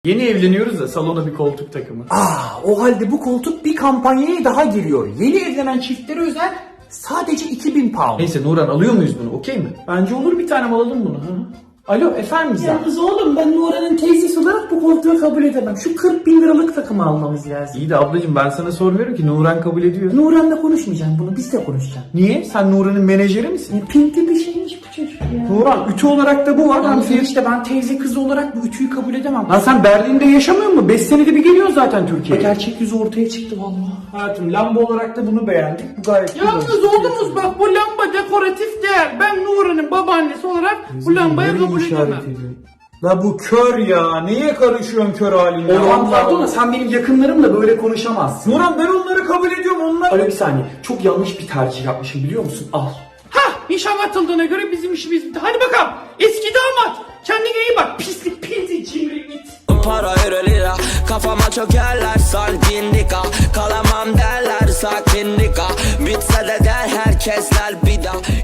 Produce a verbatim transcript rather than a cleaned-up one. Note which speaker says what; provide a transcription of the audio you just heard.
Speaker 1: Yeni evleniyoruz da salona bir koltuk takımı.
Speaker 2: Aa, o halde bu koltuk bir kampanyaya daha giriyor. Yeni evlenen çiftlere özel sadece iki bin pound.
Speaker 1: Neyse Nuran, alıyor muyuz bunu, okey mi? Bence olur, bir tane alalım bunu. Hı? Alo efendim Gizem.
Speaker 2: Yalnız oğlum, ben Nuran'ın teyzesi olarak bu koltuğu kabul edemem. Şu kırk bin liralık takımı almamız lazım.
Speaker 1: İyi de ablacığım, ben sana sormuyorum ki, Nuran kabul ediyor.
Speaker 2: Nuran'la konuşmayacağım bunu, biz de konuşacağım.
Speaker 1: Niye? Sen Nuran'ın menajeri misin?
Speaker 2: E, pinkli bir şeymiş bu çocuk ya.
Speaker 1: Nuran, ütü olarak da bu var.
Speaker 2: Lan
Speaker 1: Hani
Speaker 2: işte ben teyze kızı olarak bu ütüyü kabul edemem.
Speaker 1: Lan sen Berlin'de yaşamıyor musun? beş senede bir geliyorsun zaten Türkiye'ye.
Speaker 2: Gerçek yüzü ortaya çıktı vallahi.
Speaker 1: Hayatım, lamba olarak da bunu beğendik. Bu gayet güzel.
Speaker 3: Yalnız oğlumuz bak, bu lamba dekoratif değer. Ben Nuran'ın babaannesi olarak bu lambayı kabul edemem.
Speaker 1: La bu kör ya. Niye karışıyorsun kör haline?
Speaker 2: Orhan pardon da sen benim yakınlarımla böyle konuşamazsın.
Speaker 1: Nuran, ben onları kabul ediyorum. Onlar...
Speaker 2: Alo bir saniye, çok yanlış bir tercih yapmışım biliyor musun? Al.
Speaker 3: Hah, nişan atıldığına göre bizim işimiz bitti. Hadi bakalım eski damat, kendine iyi bak, pislik pinti cimri it.
Speaker 4: Para euro lira, kafama çökerler sardindika. Kalamam derler sakindika. Bitse de der herkesler bir daha.